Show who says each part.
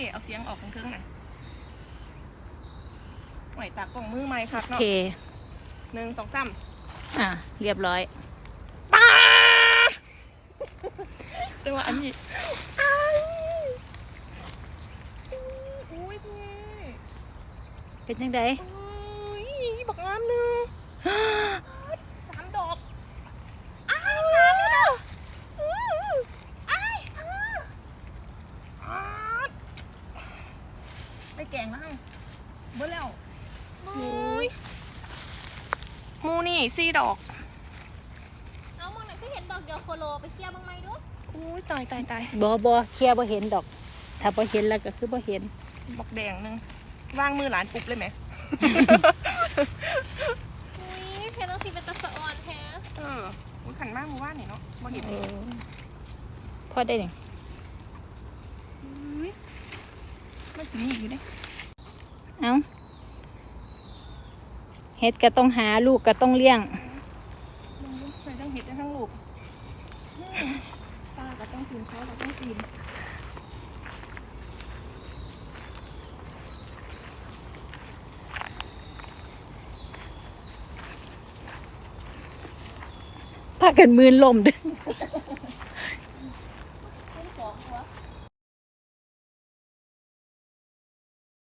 Speaker 1: เอาเสียงออกของเทิงหน่อยหน่อยตากล่องมือไม้ค่ะ
Speaker 2: โอ
Speaker 1: เนาะ
Speaker 2: เค
Speaker 1: 1 2 3
Speaker 2: เรียบร้อย
Speaker 1: ป้าจังหวะอันนี้อุ้ยพี่
Speaker 2: เป็นจังได
Speaker 1: อุ้ยบักงามหนึ่ง3 ดอกอ้าว3 ดอกไปแกงแล้วเบิ่แล้วมูนี่4 ดอก
Speaker 3: เอามองหน่อยก็เห็นดอกเดียวโคโลไปเคลียร์บ้างไหมดู
Speaker 1: อุ้ยตาย
Speaker 2: บ่เคลียร์บ่เห็นดอก ถ้าบ่เห็นแล้วก็คือบ่เห็น
Speaker 1: บักแดงหนึงวางมือหลานปุ๊บเลยไหม
Speaker 3: อุ้ยเพนต้องสีเป็นตะสะออนแท้
Speaker 1: อุ้ยขันมากมือว่านนี่เนาะบ่เห็น
Speaker 2: พอได้นี่
Speaker 1: อุ้ยมันสีอยู่เด้
Speaker 2: เอ้าเฮ็ดก็ต้องหาลูกก็ต้องเลี้ยง
Speaker 1: ลงดูใส่ทั้งเห็ดทั้งลูกป้าก็ต้องกินเขาก็ต้องกิน
Speaker 2: พากันมืนลมเด้อ